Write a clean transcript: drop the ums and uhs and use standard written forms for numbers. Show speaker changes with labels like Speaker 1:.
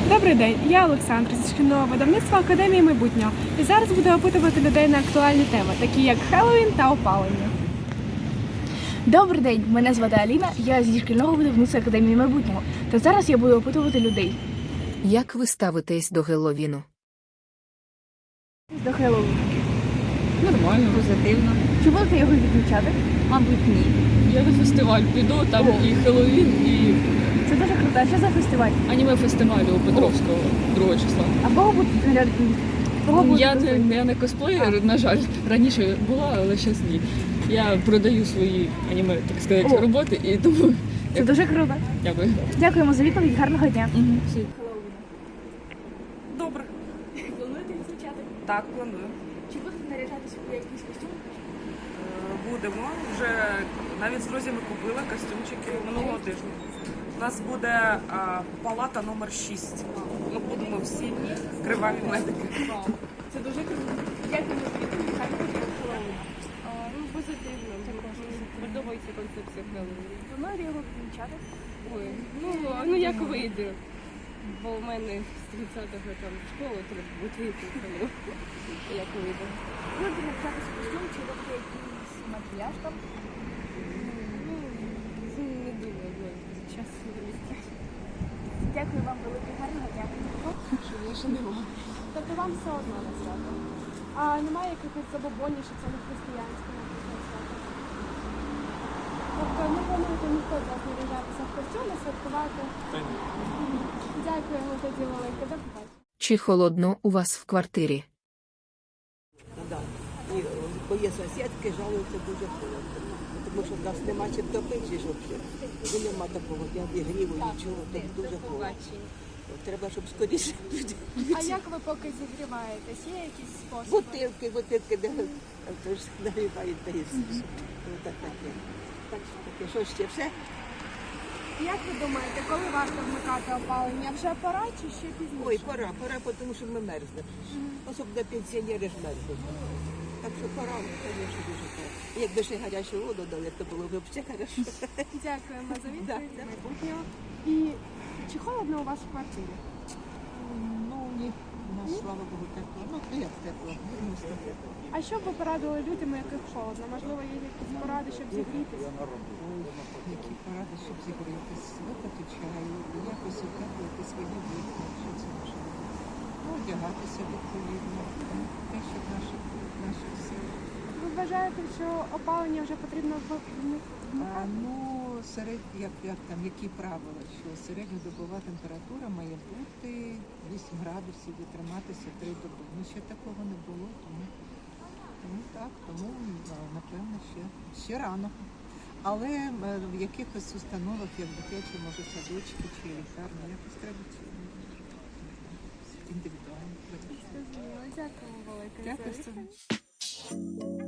Speaker 1: Добрий день, я Олександр зі шкільного видавництва Академії майбутнього. І зараз буду опитувати людей на актуальні теми, такі як Хеллоуін та опалення.
Speaker 2: Добрий день, мене звати Аліна, я зі шкільного видавництва Академії майбутнього. Та зараз я буду опитувати людей.
Speaker 3: Як ви ставитесь до Геловіну?
Speaker 2: До Хеллоуіну.
Speaker 4: Нормально, позитивно.
Speaker 2: Чи будете його відмічати?
Speaker 4: Мабуть, ні. Я на фестиваль піду, там і Хеллоуін, і
Speaker 2: Це дуже круто. А що за фестиваль?
Speaker 4: аніме-фестиваль у Петровського 2 числа.
Speaker 2: А кого будете глядати?
Speaker 4: Я не косплеєр, на жаль. Раніше була, але зараз ні. Я продаю свої аніме, так сказати, роботи, і тому
Speaker 2: Це дуже круто.
Speaker 4: дякую.
Speaker 2: Дякуємо за відповідь, гарного дня.
Speaker 4: Всі.
Speaker 5: Добре.
Speaker 2: Плануєте відзначати?
Speaker 5: Так, планую.
Speaker 2: Чи будете наряджатися у якийсь костюм?
Speaker 5: Будемо. Вже навіть з друзями купили костюмчики минулого тижня. У нас буде палата номер 6. Ми будемо всі криваві медики.
Speaker 2: Це дуже круто. Дякуємо за відповідь, гарного дня.
Speaker 6: Позитивно. Подобається концепція Хеллоуіну.
Speaker 2: Плануєте його відмічати?
Speaker 6: Ой, ну як вийде. Бо в мене з 30-го там в школу треба бути випускано. Як вийде.
Speaker 2: Будете навчатися костюм, чи робити якийсь макіяж там?
Speaker 6: Ну, не думаю, бо час не місця.
Speaker 2: Дякую вам велике, гарного дня.
Speaker 1: Тобто вам все одно на свято. А немає якихось забобонів, що це не християнське, наприклад, свято? Тобто не плануєте ніхто з вас наряжатися в костюми, святкувати? Дякуємо тоді велике, до побачення.
Speaker 3: Чи холодно у вас в квартирі?
Speaker 7: Да. І мої сусідки жалуються дуже холодно. Тому що в нас нема чим топити, щоб і нема такого обігріву, нічого, так дуже холодно. Треба, щоб скоріше люди.
Speaker 1: А як ви поки зігріваєтесь? Є якісь способи?
Speaker 7: Бутилки, де тож нагрівають та і все. Так таке. Так що таке. Що ще все?
Speaker 1: Як ви думаєте, коли варто вмикати опалення? Вже пора чи ще пізніше?
Speaker 7: Ой, пора, тому що ми мерзнемо. Особливо пенсіонери ж мерзнуть. Так що пора, звісно, дуже пора. Якби ще гарячу воду дали, то було б взагалі хорошо.
Speaker 1: Дякуємо за відповідь
Speaker 7: Да.
Speaker 1: майбутнього. І чи холодно у вас в квартирі?
Speaker 7: Ну, ні, у нас, слава Богу, тепло. Ну, як тепло, відносно тепло.
Speaker 1: А що б ви порадили людям, яких холодно? Можливо, є якісь поради, щоб зігрітися?
Speaker 7: Ой, які поради, щоб зігрітися, випити чаю, якось утеплити свої вікна, що це можливо. Ну, одягатися відповідно, те, що в наших силах.
Speaker 1: Ви вважаєте, що опалення вже потрібно вмикати?
Speaker 7: Ну, як там, які правила, що середньодобова температура має бути 8 градусів і триматися 3 доби. Ну, ще такого не було, тому напевно, ще рано. Але в якихось установах, як дитячі, може, садочки чи лікарні, якось треба індивідуально.
Speaker 1: Дякую велике.
Speaker 7: Дякую.